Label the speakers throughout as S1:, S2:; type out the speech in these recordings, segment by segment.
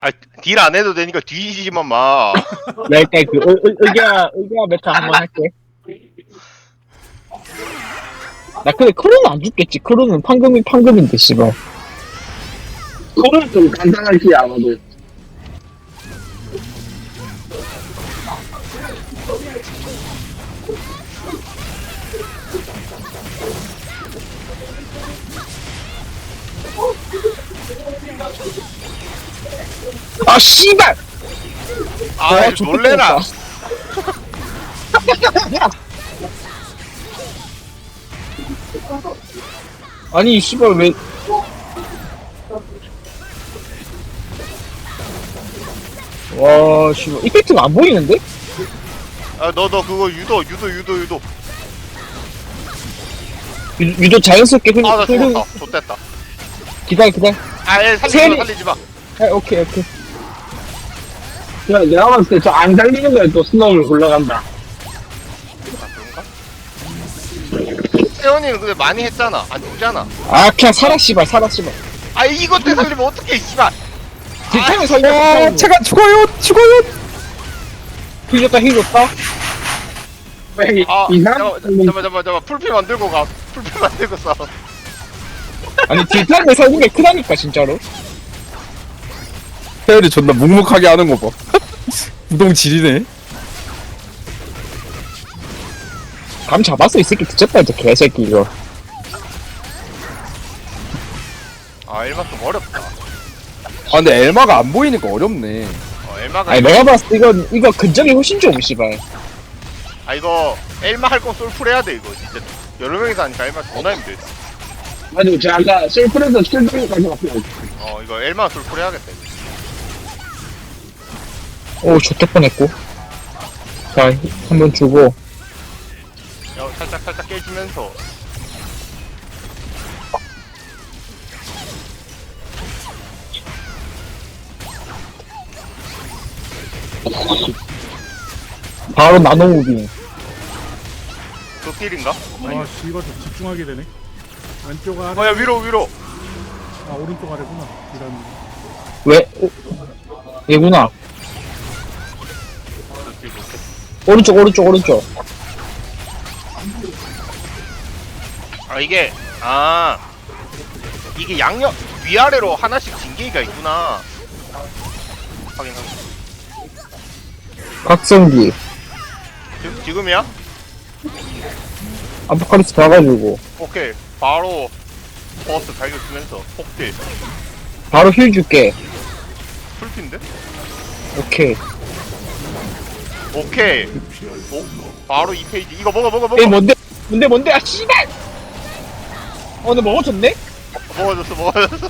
S1: 아, 딜 안 해도 되니까 뒤지지만 마.
S2: 나 일단 그 의기야 메타 한번 할게. 나 근데 크루는 안 죽겠지. 크루는 판금인데 씨발.
S3: 그거는 좀 간단하지 아마도.
S2: 아 씨발.
S1: 아,
S2: 와,
S1: 놀래라.
S2: 아니 씨발 왜? 와 씨발 이펙트가 안 보이는데?
S1: 아, 너 그거 유도.
S2: 유도 자연스럽게
S1: 아, 나 죽었다. 좋됐다.
S2: 기다려.
S1: 아, 얘 살리지 마.
S2: 아, 오케이.
S3: 야, 내가 봤을 때 저 안 달리는 거에 또 스노우를 굴러간다.
S1: 아, 그런가? 세원이는 근데 많이 했잖아. 안 죽잖아.
S2: 아 그냥 살아 씨발.
S1: 아, 이것 때 살리면 어떡해, 씨발.
S2: 딜타임을 살려.
S4: 제가 죽어요.
S2: 힐 줬다.
S3: 왜
S1: 아,
S3: 이상한
S1: 잠깐만. 풀피 만들고 가. 풀피 만들고 싸.
S2: 아니 딜타임을 살린 게 크다니까 진짜로.
S4: 태열이 존나 묵묵하게 하는 거 봐. 우동 지리네.
S2: 감 잡았어 이 새끼. 뒤졌다 이제 개새끼 이거.
S1: 아, 엘마 좀 어렵다.
S4: 아 근데 엘마가 안 보이니까 어렵네.
S1: 엘마가.
S2: 아니 내가 봤을 때 이거 근접이 훨씬 좋음 씨발.
S1: 아, 이거 엘마 할 건 솔풀 해야 돼, 이거. 진짜 여러 명이서 하니까 엘마 존나 힘들.
S3: 맞아, 제가 아까 셀프에서 킬드까지 갔어요.
S1: 이거 엘마 솔풀 해야겠다, 이거.
S2: 오 좋될 뻔했고. 자 한번 주고.
S1: 야, 살짝 깨지면서.
S2: 바로 나노 무빙.
S1: 그 딜인가?
S5: 아, 씨발 좀 집중하게 되네. 왼쪽 아래,
S1: 야, 위로.
S5: 아 오른쪽 아래구나. 이런.
S2: 왜? 얘구나.
S1: 그 딜 못해.
S2: 오른쪽.
S1: 아, 이게 양옆 위아래로 하나씩 징계기가 있구나. 확인.
S2: 각성기.
S1: 지금이야?
S2: 아포칼립스 봐가지고.
S1: 오케이. 바로 버스 발견 쓰면서 폭딜.
S2: 바로 힐 줄게.
S1: 풀핀데?
S2: 오케이.
S1: 오, 바로 2페이지. 이거 먹어.
S2: 에이 뭔데? 아 씨발. 근데 먹어줬네?
S1: 먹어줬어.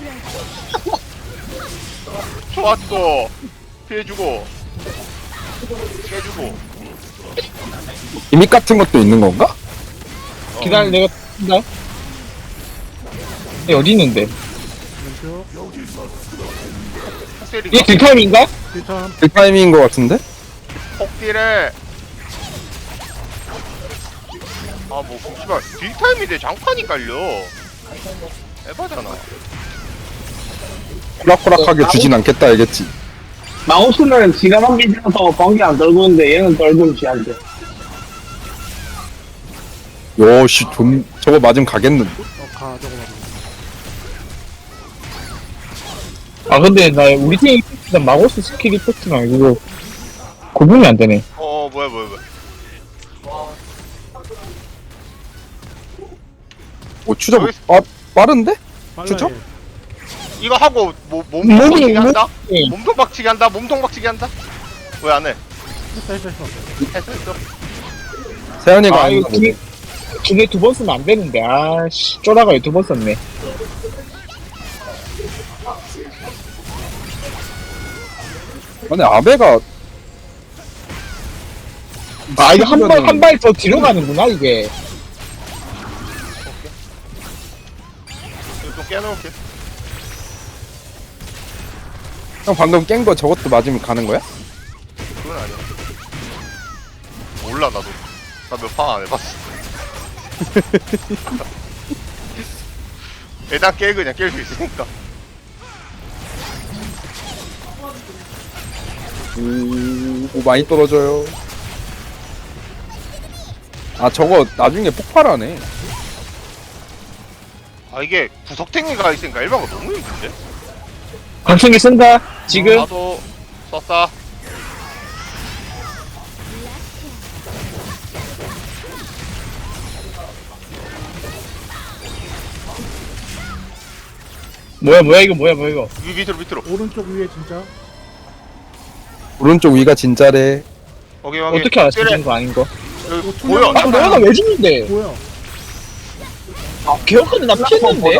S1: 좋았고. 피해주고. 깨주고.
S4: 기믹 같은 것도 있는 건가?
S2: 기다려 내가 나. 얘 어디 있는데?
S5: 왼쪽.
S2: 얘
S1: 폭딜인가?
S2: 딜타임인가?
S5: 일단
S4: 그 타이밍인 것 같은데?
S1: 폭딜에 씨발 딜타임인데 장판이 깔려. 에바잖아.
S4: 호락호락하게 주진 않겠다 알겠지?
S3: 마우스는 지가 넘기면서 번개 안 떨구는데 얘는 떨구는 지한테.
S4: 요씨 저거 맞으면 가겠는데.
S5: 가 저거 봐.
S2: 아 근데 나 우리 팀 이펙트랑 마고스 스킬 이펙트랑 이거 구분이 안 되네.
S1: 뭐야.
S4: 오 추적
S1: 여기-
S4: 빠른데?
S5: 빨라
S4: 그쵸?
S5: 얘.
S1: 이거 하고 몸통
S2: 몸이-
S1: 박치기 한다?
S2: 몸이-
S1: 몸통 박치기 한다? 왜 안 해?
S5: 했어.
S1: 했어.
S4: 세연이가
S2: 아
S4: 안
S2: 이거 기계 2번 쓰면 안 되는데. 아씨 쪼라가 2번 썼네.
S4: 근데 아베가
S2: 아 이거 한 발 더 뒤로 가는구나 이게.
S1: 이거 좀 깨놓을게.
S4: 형 방금 깬 거 저것도 맞으면 가는 거야?
S1: 그건 아니야. 몰라, 나도. 나 몇 판 안 해봤어. 일단 그냥 깰 수 있으니까.
S4: 오, 많이 떨어져요. 아, 저거 나중에 폭발하네.
S1: 아 이게 구석탱이가 있으니까 일반가 너무 힘든데?
S2: 강충기 쓴다 지금.
S1: 나도 썼다.
S2: 뭐야 이거 뭐야 이거.
S1: 밑으로
S5: 오른쪽 위에 진짜.
S4: 오른쪽 위가 진짜래.
S1: 오케이 오케이.
S2: 어떻게 알았어
S1: 그래,
S2: 죽은 거 아닌 거.
S1: 여기
S5: 이거
S1: 보여.
S5: 투명한
S2: 아 너가 왜 죽는데?
S5: 뭐야?
S2: 아 개혁한데 나 피했는데.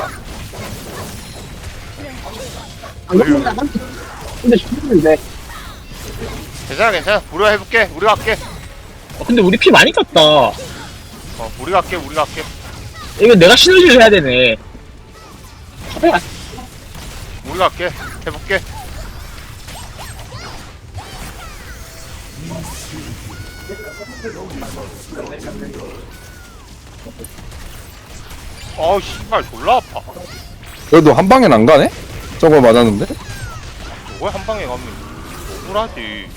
S3: 안 그러면 한 근데 죽는데.
S1: 괜찮아. 우리가 해볼게. 우리가 할게.
S2: 근데 우리 피 많이 깠다.
S1: 우리가 할게.
S2: 이거 내가 시너지를 해야 되네.
S1: 우리가 할게. 해볼게. 어우 씨발 졸라 아파.
S4: 그래도 한 방엔 안 가네? 저거 맞았는데?
S1: 저거 한 방에 가면 억울하지.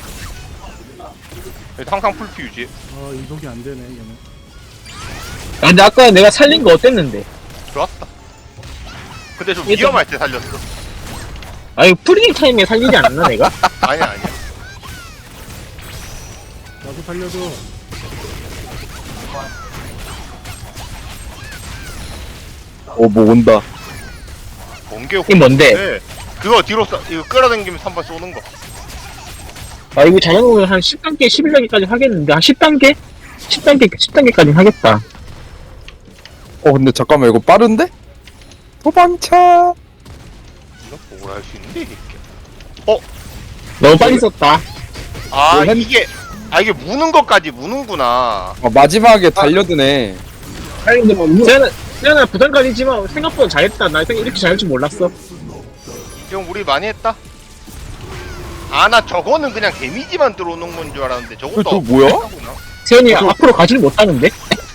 S1: 항상 풀피 유지.
S5: 이동이 안 되네 얘는.
S2: 아, 근데 아까 내가 살린 거 어땠는데?
S1: 좋았다. 근데 좀
S2: 일단-
S1: 위험할 때 살렸어.
S2: 아 이거 프리딩 타임에 살리지 않았나 내가?
S1: 아니야.
S5: 나도 살려줘.
S4: 뭐 온다.
S1: 번개
S2: 이게 뭔데?
S1: 네. 그거 뒤로 이거 끌어당기면서 한번 쏘는 거.
S2: 아 이거 잘해보면 한 10단계 11단계까지 하겠는데 한 10단계? 10단계까지는 하겠다.
S4: 근데 잠깐만, 이거 빠른데? 도망쳐!
S1: 이거 뭐라 할 수 있는데 이게.
S2: 너무 빨리 썼다.
S1: 아
S2: 뭐
S1: 이게 무는 것까지 무는구나.
S4: 마지막에 달려드네.
S3: 아니 근데 뭐
S2: 세연아 부담감이지만 생각보다 잘했다. 나 이렇게 잘할 줄 몰랐어.
S1: 형 우리 많이 했다. 아 나 저거는 그냥 데미지만 들어오는 건 줄 알았는데 저것도
S4: 저 뭐야?
S1: 하구나.
S2: 세연이 앞으로 가지를 못하는데?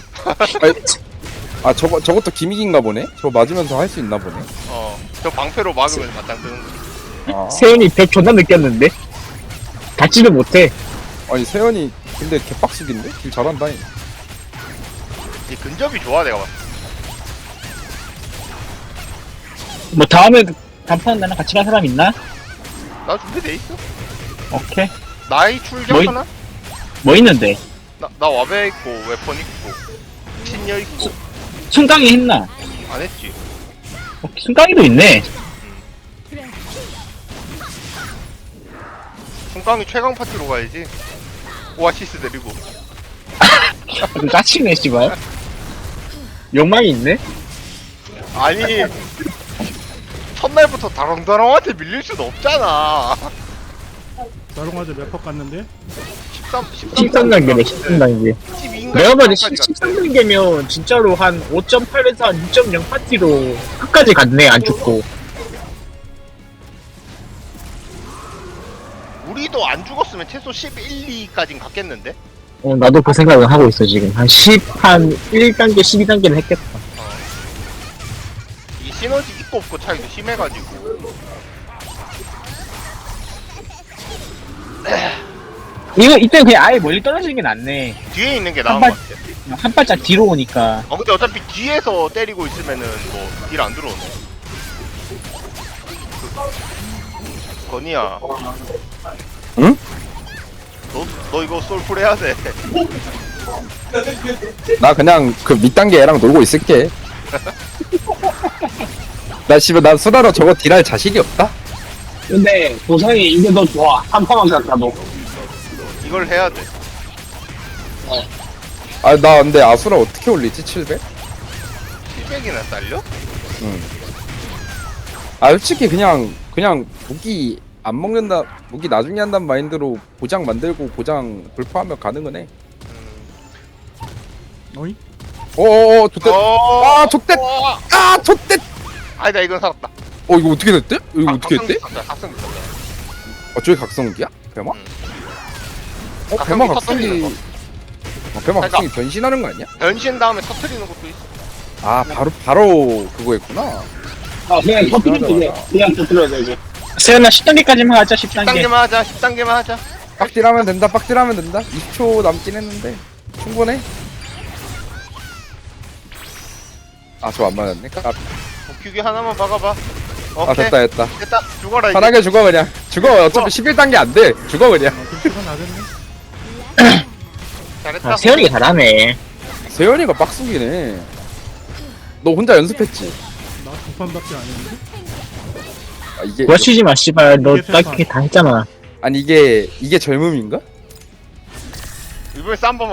S4: 저것도 기믹인가 보네? 저거 맞으면서 할 수 있나 보네.
S1: 저 방패로 막으면 맞짱 뜨는 거.
S2: 세연이 벽 존나 느꼈는데? 닿지를 못해.
S4: 아니, 세연이 근데 개빡수긴데? 길 잘한다.
S1: 이 근접이 좋아 내가 봤을
S2: 뭐 다음에 단판 나랑 같이 갈 사람 있나?
S1: 때. 나 준비돼 있어.
S2: 오케이.
S1: 나이 출정 하나?
S2: 뭐 있는데?
S1: 나 와베 있고 웨폰 있고 신녀 있고
S2: 순강이 했나?
S1: 안 했지.
S2: 순강이도 있네.
S1: 송강이 최강 파티로 가야지. 오아시스 데리고.
S2: 좀 짜치네 씨발. 욕망이 있네?
S1: 아니 첫날부터 다롱다롱한테 밀릴 수는 없잖아.
S5: 나롱아재 몇퍼 갔는데?
S2: 13단계네 13단계.
S1: 12인가
S2: 내가 봐도 13단계면 진짜로 한 5.8에서 한 2.0 파티로 끝까지 갔네 안 죽고.
S1: 우리도 안 죽었으면 최소 11, 2까진 갔겠는데?
S2: 나도 그 생각을 하고 있어 지금. 한 1단계 12단계는 했겠다.
S1: 이 시너지 있고 없고 차이도 심해가지고.
S2: 이때 그냥 아예 멀리 떨어지는 게 낫네.
S1: 뒤에 있는 게 나은
S2: 한
S1: 것
S2: 발-
S1: 같아.
S2: 한 발짝 뒤로 오니까.
S1: 근데 어차피 뒤에서 때리고 있으면은 뭐 딜 안 들어오네. 건이야.
S4: 응?
S1: 너 이거 솔풀 해야 돼.
S4: 나 그냥 그 밑단계 애랑 놀고 있을게. 난 수다로 저거 딜할 자신이 없다?
S3: 근데 보상이 이게 더 좋아. 한 판만 갔다도.
S1: 이걸 해야 돼.
S4: 나 근데 아수라 어떻게 올리지? 700?
S1: 700이나 딸려?
S4: 솔직히 그냥 무기 안 먹는다, 무기 나중에 한다는 마인드로 고장 만들고 고장 불파하면 가능은 해.
S5: 어이?
S4: 좆됐. 좆됐. 좆됐.
S1: 아니다 이건 살았다.
S4: 이거 어떻게 됐대? 이거 어떻게 됐대?
S1: 각성 있었다.
S4: 저게 각성기야? 배마?
S1: 각성기
S4: 배마
S1: 터뜨리는
S4: 각성기. 배마 각성기 변신하는 거 아니야?
S1: 변신 다음에 터트리는 것도 있어.
S4: 바로 그거 했구나.
S3: 그냥 터뜨리면 돼. 그냥 터뜨려야 돼 이제.
S2: 세연아 10단계까지만 하자 10단계
S1: 10단계만 하자 10단계만 하자.
S4: 빡딜하면 된다. 빡딜하면 된다. 20초 남긴 했는데 충분해. 아 저 안 맞았네.
S1: 복귀기 하나만 박아봐.
S4: 아
S1: 오케이
S4: 됐다.
S1: 됐다 죽어라 이제.
S4: 편하게 죽어 그냥. 죽어. 어차피 11단계 안 돼. 죽어 그냥.
S5: 좀 시간 나겠네.
S1: 잘했다.
S2: 아 세연이가 잘하네
S4: 세연이가 빡수기네. 너 혼자 연습했지?
S5: 나 두 판밖에 안 했는데.
S4: 아, 이게
S2: 구하치지마 씨발 너
S5: 이게
S2: 딱히 다 했잖아
S4: 아니 이게 젊음인가?
S1: 이번에 쌈 한번